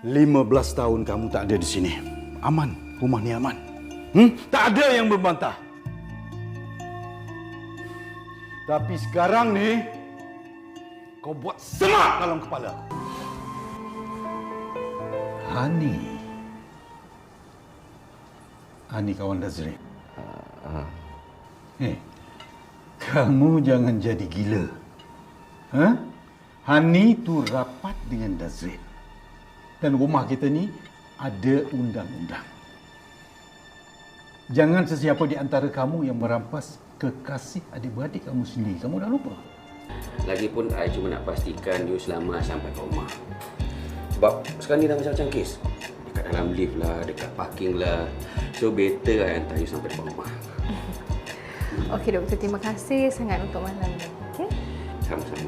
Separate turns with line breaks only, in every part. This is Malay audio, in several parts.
15 tahun kamu tak ada di sini. Aman, rumah ni aman. Tak ada yang membantah. Tapi sekarang ni, kau buat semak dalam kepala aku. Hani kawan Dazrin. Kamu jangan jadi gila. Hani tu rapat dengan Dazrin. Dan rumah kita ni ada undang-undang. Jangan sesiapa di antara kamu yang merampas kekasih adik-beradik kamu sendiri. Kamu dah lupa?
Lagipun, I cuma nak pastikan you selamat sampai ke rumah. Sebab sekarang ni dah macam-macam kes. Dekat dalam lift lah, dekat parking lah. So, better I hantar you sampai ke rumah.
Okey, doktor. Terima kasih sangat untuk malam ni. Okey?
Sama-sama.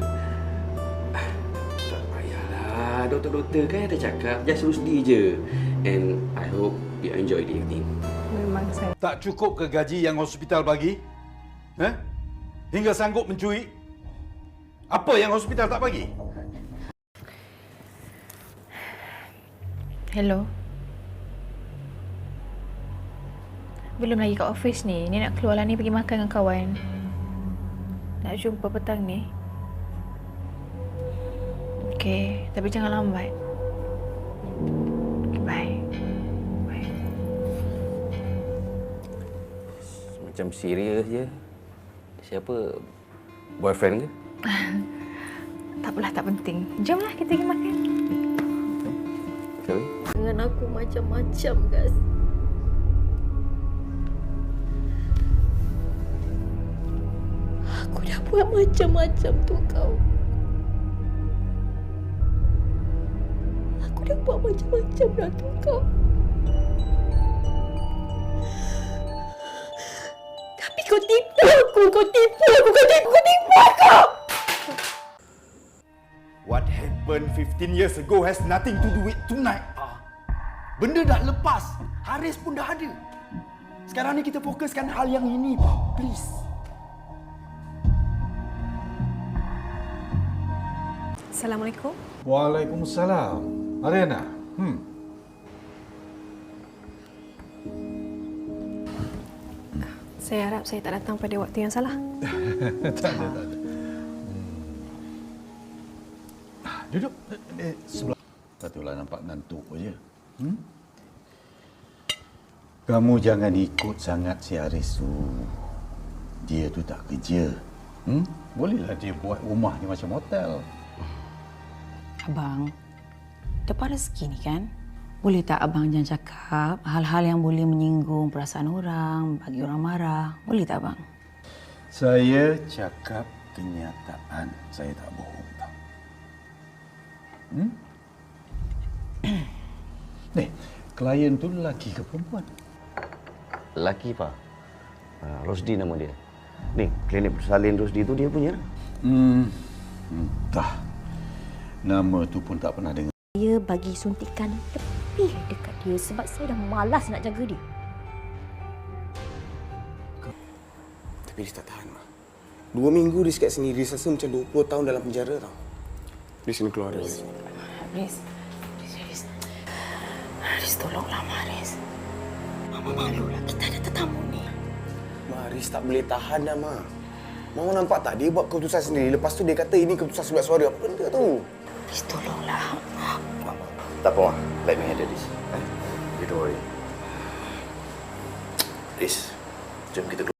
Tak payahlah. Doktor-doktor kan ada cakap, just rusdi je. And I hope you enjoy the evening.
Memang saya.
Tak cukup ke gaji yang hospital bagi? Hingga sanggup mencuri? Apa yang hospital tak bagi?
Hello. Belum lagi kat office ni. Ni nak keluar lah ni pergi makan dengan kawan. Nak jumpa petang ni. Okey, tapi jangan lambat. Okay, bye. Bye.
Macam serius je. Siapa? Boyfriend ke?
Tak apalah, tak penting. Jomlah kita pergi makan.
Sorry?
Dengan aku macam-macam, guys. Aku dah buat macam-macam tu kau. Aku dah buat macam-macam dah tu kau. Tapi kau tipu aku, kau tipu aku, kau tipu aku!
What happened 15 years ago has nothing to do with tonight. Benda dah lepas. Haris pun dah ada. Sekarang ni kita fokuskan hal yang ini, Pa. Please.
Assalamualaikum.
Waalaikumsalam. Ariana.
Saya harap saya tak datang pada waktu yang salah.
Tak ada. Duduk. Sebelah. Patutlah nampak ngantuk aja. Kamu jangan ikut sangat si Haris tu. Dia tu tak kerja. Bolehlah dia buat rumah ni macam hotel.
Abang, dapat rezeki ni kan? Boleh tak abang jangan cakap hal-hal yang boleh menyinggung perasaan orang, bagi orang marah? Boleh tak abang?
Saya cakap kenyataan. Saya tak bohong tau. Nih, klien tu lelaki ke perempuan?
Lelaki, Pak. Rosdi nama dia. Ni, klinik bersalin Rosdi tu dia punya.
Entah. Nama tu pun tak pernah dengar.
Saya bagi suntikan lebih dekat dia sebab saya dah malas nak jaga dia.
Tapi dia tak tahan, Ma. 2 minggu dia sikat sini. Dia rasa macam 20 tahun dalam penjara tau. Dia sini keluar dari sini.
Haris, tolonglah Haris. Mama malulah, kita ada tetamu ni.
Ma, Haris tak boleh tahan dah, Ma. Mama nampak tak? Dia buat keputusan sendiri. Lepas tu dia kata ini keputusan surat suara. Apa benda tu?
Haris, tolonglah.
Tak apa, Ma. Let me handle this. You don't worry. Riz, jom kita keluar.